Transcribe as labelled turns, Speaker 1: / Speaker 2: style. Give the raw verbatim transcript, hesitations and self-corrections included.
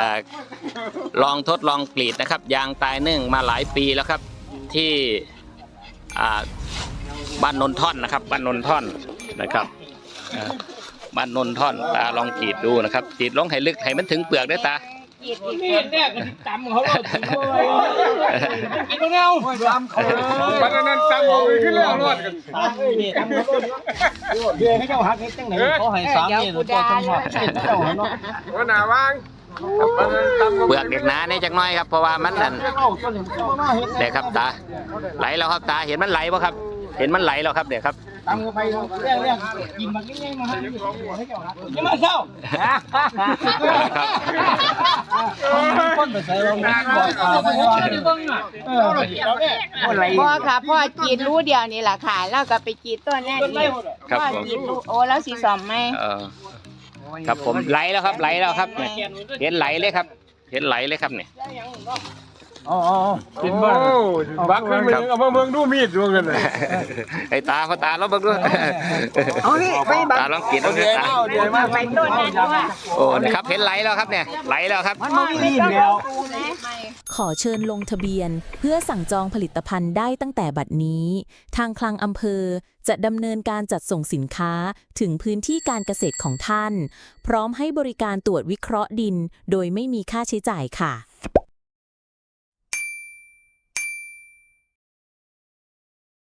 Speaker 1: ลองทดลองกรีดนะครับยางตายนึ่งมาหลายปีแล้วครับที่บ้านนนท่อนนะครับบ้านนนท่อนนะครับบ้านนนท่อนตาลองกรีดดูนะครับกรีดลงให้ลึกให้มันถึงเปลือกด้วยตา
Speaker 2: นี่เนี่ยกันจำเขาเราถึงเลยกินตรงเงาจำเขาบ้านนั้นจำเขาขึ้นแล้วรอดกันนี่จำเขาเดี๋ยวให้เจ้าหักให้จังไหนเขาให้สามเนี่ยตัวสมบัติเจ้าเนาะว่าหน้าวาง
Speaker 1: เปลือกเด็กหนาเนี่ยจักน้อยครับเพราะว่ามันนั่นเด็กครับตาไหลแล้วครับตาเห็นมันไหลป่ะครับเห็นมันไหลแล้วครับเด็กครับ
Speaker 2: ตามไปเรื่องเรื่องกินมันง่ายๆมาให้ให้เจ้าหักยังมาเช้าคนไปใส่เรา
Speaker 3: พ่อค่ะพ่อจีดรู้เดียวนี่แหละค่ะแล้วก็ไปจีดต้นแน่นี่พ่อจีดรู้โอ้แล้วสีสอมไหม
Speaker 1: ครับผมไหลแล้วครับไหลแล้วครับเห็นไหลเลยครับเห็นไหลเลยครับเนี่ย
Speaker 2: อ๋อกินบ้างบักขึ้นมือเอามาเมืองดูมีดดูกันเลย
Speaker 1: ไอ้ตาเขาตาเราบักด้วย
Speaker 3: เอานี่ไปบัก
Speaker 1: ตาลองกินเอาเนี่ยตา
Speaker 3: ไปต้นนั่นด้วย
Speaker 1: โอ้นะครับเห็นไหลแล้วครับเนี่ยไหลแล้วครับ
Speaker 2: มันไม่มีแล้ว
Speaker 4: ขอเชิญลงทะเบียนเพื่อสั่งจองผลิตภัณฑ์ได้ตั้งแต่บัดนี้ทางคลังอำเภอจะดำเนินการจัดส่งสินค้าถึงพื้นที่การเกษตรของท่านพร้อมให้บริการตรวจวิเคราะห์ดินโดยไม่มีค่าใช้จ่ายค่ะ